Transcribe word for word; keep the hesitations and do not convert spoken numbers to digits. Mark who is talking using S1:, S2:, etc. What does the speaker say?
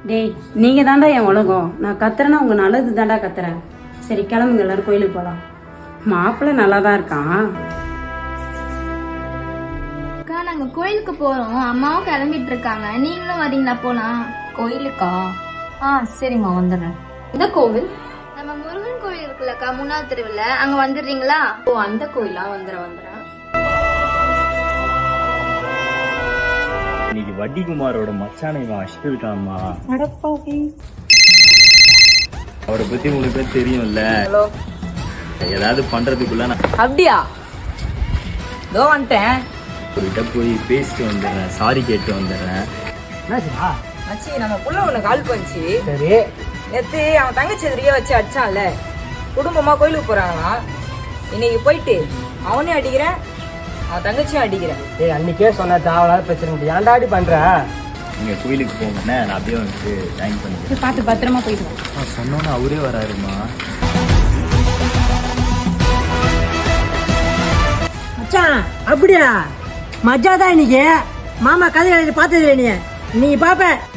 S1: டேய் நீங்கள் தாண்டா என் உலகம். நான் கத்துறேன்னா உங்கள் நல்லது தாண்டா கத்துறேன். சரி கிளம்புங்க, எல்லாரும் கோயிலுக்கு போகலாம். மாப்பிள்ளை நல்லா தான் இருக்கான்.
S2: அக்கா நாங்க கோயிலுக்கு போறோம். அம்மாவும் கிளம்பிட்டு இருக்காங்க. நீங்களும் வரீங்களா? போலாம்.
S3: கோயிலுக்கா? ஆ சரிம்மா வந்துடுறேன். இந்த கோவில்?
S2: நம்ம முருகன் கோயில் இருக்குல்லக்கா, மூணாவது தெருவுல, அங்க வந்துடுறீங்களா?
S3: ஓ அந்த கோயிலா? வந்துடுறேன் வந்துடுறேன்.
S4: இன்னைக்கு வட்டிகுமாரோட மச்சானை அஷ்டு இருக்காமா. அவரை பத்தி உங்களுக்கு தெரியும்ல. ஏதாவது பண்றதுக்குள்ள நான்
S3: அப்படியா? இதோ வந்துட்டேன்.
S4: அவர்கிட்ட போய் பேசிட்டு வந்துடுறேன், சாரி கேட்டு வந்துடுறேன்.
S5: மச்சி நம்ம புள்ள ஒண்ணு கால் பண்ணிச்சு.
S6: சரி.
S5: நேத்து அவன் தங்கச்சி எதிரியே வச்சு அடிச்சான்ல, குடும்பமா கோயிலுக்கு போறாங்களாம். இன்னைக்கு போயிட்டு அவனையும் அடிக்கிறேன், அவன் தங்கச்சியும் அடிக்கிறேன்.
S6: ஏய் அன்னைக்கே சொன்ன தேவையில்லாத பிரச்சனை ஏன்டாடி பண்ற?
S4: நீங்க கோயிலுக்கு போங்கண்ணே, நான் அப்படியே வந்து ஜாயின் பண்ணிக்கிறேன்.
S1: பார்த்து பத்திரமா போயிட்டு வா.
S4: நான் சொன்னோன்னு அவரே வராருமா.
S6: மச்சான் அப்படியா? மஜா தான் இன்னைக்கு. மாமா கதை எழுதி பார்த்தது நீ நீ பாப்ப.